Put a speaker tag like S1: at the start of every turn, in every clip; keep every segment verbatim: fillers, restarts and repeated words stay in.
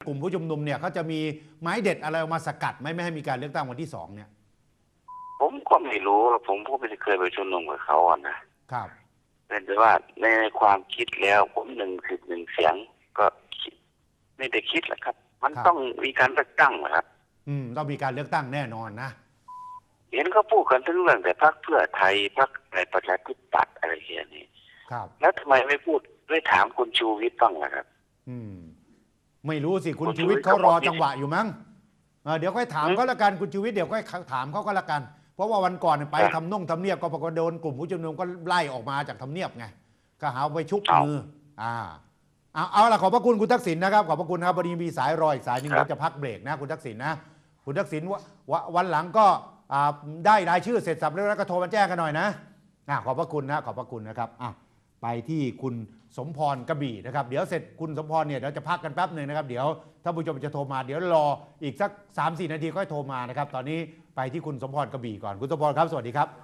S1: กลุ่มผู้ชุมนุมเนี่ยเขาจะมีไม้เด็ดอะไรออกมาสกัดไหมไม่ให้มีการเลือกตั้งวันที่สองเนี่ย
S2: ผมก็ไม่รู้ผมก็ไม่เคยไปชุมนุมกับเขาอ่ะนะครับแต่ว่าในความคิดแล้วผมหนึ่งสิบหนึ่งเสียงก็ไม่ได้คิดแหละครับมันต้องมีการเลือกตั้งนะครับ
S1: อืมต้องมีการเลือกตั้งแน่นอนนะ
S2: เห็นเขาพูดกันทั้งเรื่องแต่พรรคเพื่อไทยพรรคในประชาธิปัตย์อะไรอย่างนี้
S1: ครับ
S2: แล้วทำไมไม่พูดไม่ถามคุณชูวิทย์บ้างล่ะครับ
S1: อืมไม่รู้สิคุณชูวิทย์เขารอจังหวะอยู่มั้งเดี๋ยวค่อยถามเขาละกันคุณชูวิทย์เดี๋ยวค่อยถามเขาก็ละกันเพราะว่าวันก่อนไปทำน่งทำเนียบก็ปรากฏโดนกลุ่มผู้ชุมนุมก็ไล่ออกมาจากทำเนียบไงก็หาไปชุบมืออ่าเอาเอาละขอบพระคุณคุณทักษิณนะครับขอบพระคุณครับวันนี้มีสายรออีกสายนึงเราจะพักเบรกนะคุณทักษิณนะคุณทักษิณวันหลังก็ได้รายชื่อเสร็จสับแล้วก็โทรมาแจ้งกันหน่อยนะขอบพระคุณนะขอบพระคุณนะครับไปที่คุณสมพรกระบี่นะครับเดี๋ยวเสร็จคุณสมพรเนี่ยเราจะพักกันแป๊บหนึ่งนะครับเดี๋ยวถ้าผู้ชมจะโทรมาเดี๋ยวรออีกสัก สามถึงสี่ นาทีค่อยโทรมานะครับตอนนี้ไปที่คุณสมพรกระบี่ก่อนคุณสมพรครับสวัสดีครับ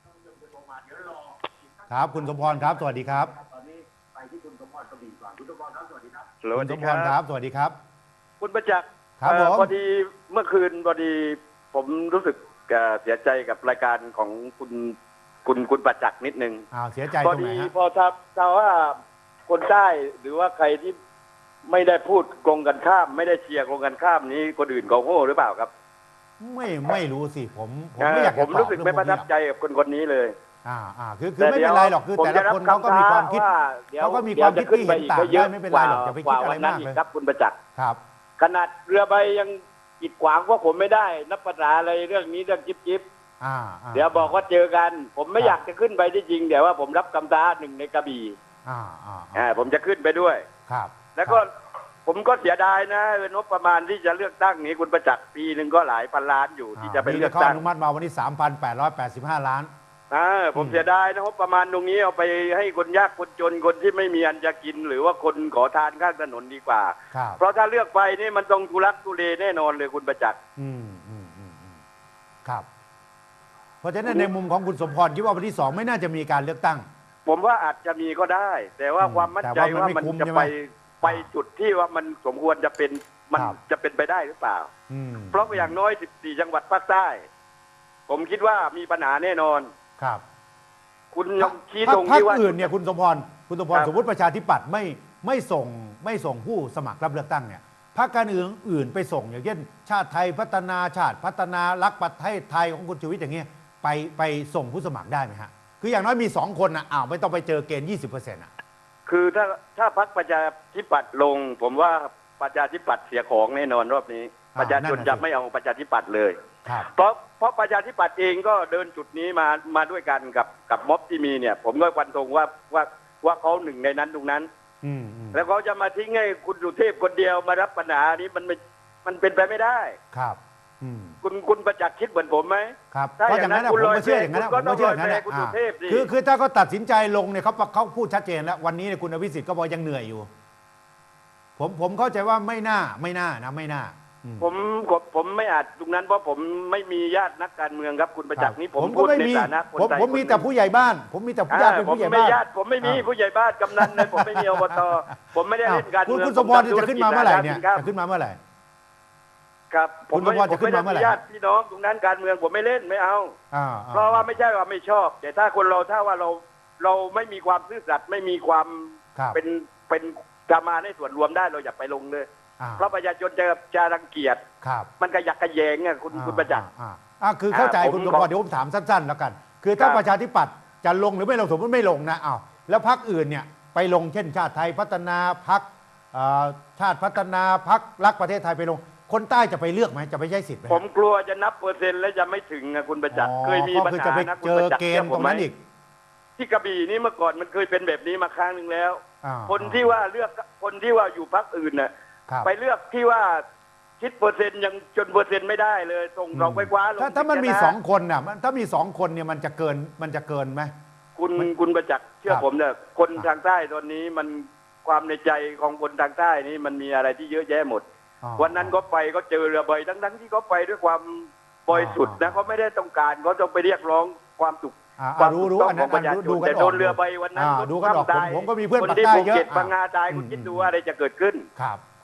S1: ครับคุณสมพรครับสวัสดีครับตอนนี้ไปที่คุณสมพรกระบี่ก่อนคุณสมพรครับสวัสดีครับคุณสมพรครับสวัสดีครับ
S3: คุณประจักษ์
S1: ครับ
S3: พอดีเมื่อคืนพอดีผมรู้สึกเสียใจกับรายการของคุณคุณคุณประจักษ์นิดนึง
S1: อ้าวเสียใจตรงไหนฮะ
S3: พอถ้าถ้าว่าคนใต้หรือว่าใครที่ไม่ได้พูดตรงกันข้ามไม่ได้เชียร์ตรงกันข้ามนี้คนอื่นเขาโง่หรือเปล่าครับ
S1: ไม่ไม่รู้สิผมผมไม่อยาก
S3: ผมรู้สึกไม่ประทับใจกับคนคนนี้เลย
S1: อ่าอ่าคือคือไม่เป็นไรหรอกคือแต่ละคนเขาก็มีความคิดเขาก็มีความคิดที่เห็นต่างได้ไม่เป็นไรหรอกอย่าไปคิดอะไรมากเลย
S3: ครับคุณประจักษ์
S1: ครับ
S3: ขนาดเรือใบยังกีดขวางพวกผมไม่ได้นับภาษาอะไรเรื่องนี้เรื่องจิ๊บจิ๊บเดี๋ยวบอกว่าเจอกันผมไม่อยากจะขึ้นไปที่จริงเดี๋ยวว่าผมรับคำท้าหนึ่งในกระบี่
S1: อ่า
S3: อ่าผมจะขึ้นไปด้วย
S1: ครับ
S3: แล้วก็ผมก็เสียดายนะงบประมาณที่จะเลือกตั้งนี้คุณประจักษ์ปีหนึ่งก็หลายพันล้านอยู่ที่จะไปเลือกตั้ง
S1: อนุมัติมาวันนี้ สามพันแปดร้อยแปดสิบห้า ล้าน
S3: อ่าผมเสียดายนะงบประมาณตรงนี้เอาไปให้คนยากคนจนคนที่ไม่มีอันจะกินหรือว่าคนขอทานข้างถนนดีกว่าเพราะถ้าเลือกไปนี่มันต้องทุลักทุเลแน่นอนเลยคุณประจักษ์
S1: อืมอืมอืมครับเพราะฉะนั้นในมุมของคุณสมพรคิดว่าวันที่สองไม่น่าจะมีการเลือกตั้ง
S3: ผมว่าอาจจะมีก็ได้แต่ว่าความมั่นใจว่ามันจะไปไปจุดที่ว่ามันสมควรจะเป็นมันจะเป็นไปได้หรือเปล่าเพราะอย่างน้อยสิบสี่จังหวัดภาคใต้ผมคิดว่ามีปัญหาแน่นอน
S1: ครับ
S3: คุณยงชี้ตรง
S1: ที่ว่าอื่นเนี่ยคุณสมพรคุณสมพรสมมติประชาธิปัตย์ไม่ไม่ส่งไม่ส่งผู้สมัครรับเลือกตั้งเนี่ยพรรคการเมืองอื่นไปส่งอย่างเช่นชาติไทยพัฒนาชาติพัฒนารักประเทศไทยของคุณชูวิทย์อย่างเงี้ยไปไปส่งผู้สมัครได้ไหมฮะคืออย่างน้อยมีสองคนนะอ้าวไม่ต้องไปเจอเกณฑ์ ยี่สิบเปอร์เซ็นต์ อ่ะ
S3: คือถ้าถ้าพรรคประชาธิปัตย์ลงผมว่าประชาธิปัตย์เสียของแน่นอนรอบนี้ประชาชนจะไม่เอาประชาธิปัตย์เลยเพราะเพราะประชาธิปัตย์เองก็เดินจุดนี้มามาด้วยกันกับกับม็อบที่มีเนี่ยผมก็ฟันธงว่าว่าว่าเขาหนึ่งในนั้นตรงนั้นแล้วเขาจะมาทิ้งให้คุณสุเทพคนเดียวมารับปัญหานี้มันไม่มันเป็นไปไม่ได้
S1: ครับ
S3: คุณคุณประจักษ์คิดเหมือนผมไหม
S1: ครับเพราะอย่างนั้นผมก็เชื่ออย่างนั้นผมก็เชื่ออย่างนั้นคือคือถ้าเขาตัดสินใจลงเนี่ยเขาเขาพูดชัดเจนแล้ววันนี้เนี่ยคุณอภิสิทธิ์ก็บอกยังเหนื่อยอยู่ผมผมเข้าใจว่าไม่น่าไม่น่านะไม่น่า
S3: ผมผมไม่อาจตรงนั้นเพราะผมไม่มีญาตินักการเมืองครับคุณประจักษ์นี่ผมพูดในฐานะคนไทย
S1: ผมมีแต่ผู้ใหญ่บ้านผมมีแต่ญาติเป็นผู้ใหญ่บ้าน
S3: ผมไม่มีผู้ใหญ่บ้านกำนันเลยผมไม่มีอบตผมไม่ได้เล่นการเมือง
S1: คุณสมพรจะขึ้นมาเมื่อไหร่เนี่ยจะขึ้นมาเมื่อไหร่
S3: ครับผมไม่ผมไม่ได้ญาติพี่น้องตรงนั้นการเมืองผมไม่เล่นไม่เอาเพราะว่าไม่ใช่ว่าไม่ชอบแต่ถ้าคนเราถ้าว่าเราเราไม่มีความซื่อสัตย์ไม่มีความเป็นเป็นจะมาในส่วนรวมได้เราอย่าไปลงเลยเพราะประชาชนจะจะรังเกียจมันกระยักกระแยงไงคุณคุณประจักษ์
S1: อ่าคือเข้าใจคุณสมพรเดี๋ยวผมถามสั้นๆแล้วกันคือถ้าประชาธิปัตย์จะลงหรือไม่ลงสมมติไม่ลงนะอ้าวแล้วพรรคอื่นเนี่ยไปลงเช่นชาติไทยพัฒนาพรรคชาติพัฒนาพรรครักประเทศไทยไปลงคนใต้จะไปเลือกไหมจะไปใช้สิทธิ์ไหม
S3: ผมกลัวจะนับเปอร์เซ็นต์แล้วจะไม่ถึงนะคุณประจักษ์เคยมีปัญหานะคุณประจักษ์
S1: เจอเกณฑ์ตรงนั้นอีก
S3: ที่กระบี่นี่เมื่อก่อนมันเคยเป็นแบบนี้มาครั้งหนึ่งแล้วคนที่ว่าเลือกคนที่ว่าอยู่พรรคอื่นน่ะไปเลือกที่ว่าคิดเปอร์เซ็นต์ยังจนเปอร์เซ็นต์ไม่ได้เลยส่งเราไปคว้าลง
S1: ถ้าถ้ามันมีสองคนน่ะถ้ามีสองคนเนี่ยมันจะเกินมันจะเกินไหม
S3: คุณคุณประจักษ์เชื่อผมเนี่ยคนทางใต้ตอนนี้มันความในใจของคนทางใต้นี่มันมีอะไรที่เยอะแยะหมดวันนั้นก็ไปก็เจอเรือใบทั้งๆที่เขาไปด้วยความบริสุทธิ์นะเขาไม่ได้ต้องการเขาต้องไปเรียกร้องความสุข
S1: ความรู้รู้อันนั้นดูกันออก
S3: แต่โดนเรือใบวันนั้น
S1: ดูกันออกผมก็มีเพื่อนปากใต้เยอะ
S3: บางงาตายคุณคิดดูว่าอะไรจะเกิดขึ้น
S1: ครับครับค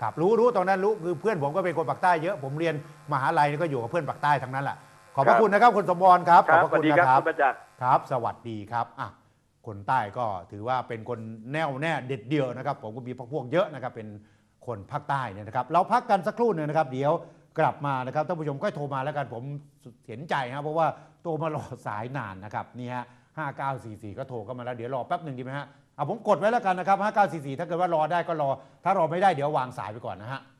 S1: ครับรู้รู้ตอนนั้นรู้คือเพื่อนผมก็เป็นคนปากใต้เยอะผมเรียนมหาลัยก็อยู่กับเพื่อนปากใต้ทั้งนั้นแหละขอบพระคุณนะครับคุณสมพรครับขอบพระคุณนะครับครับสวัสดีครับอ่ะคนใต้ก็ถือว่าเป็นคนแน่วแน่เด็ดเดี่ยวนะครับผมก็มีพวกเยอะนะครับเป็นคนภาคใต้เนี่ยนะครับเราพักกันสักครู่หนึ่งนะครับเดี๋ยวกลับมานะครับท่านผู้ชมก็โทรมาแล้วกันผมเห็นใจครับเพราะว่าโทรมารอสายนานนะครับนี่ฮะห้าเก้าสี่สี่ก็โทรเข้ามาแล้วเดี๋ยวรอแป๊บหนึ่งดีไหมฮะเอาผมกดไว้แล้วกันนะครับห้าเก้าสี่สี่ถ้าเกิดว่ารอได้ก็รอถ้ารอไม่ได้เดี๋ยววางสายไปก่อนนะฮะ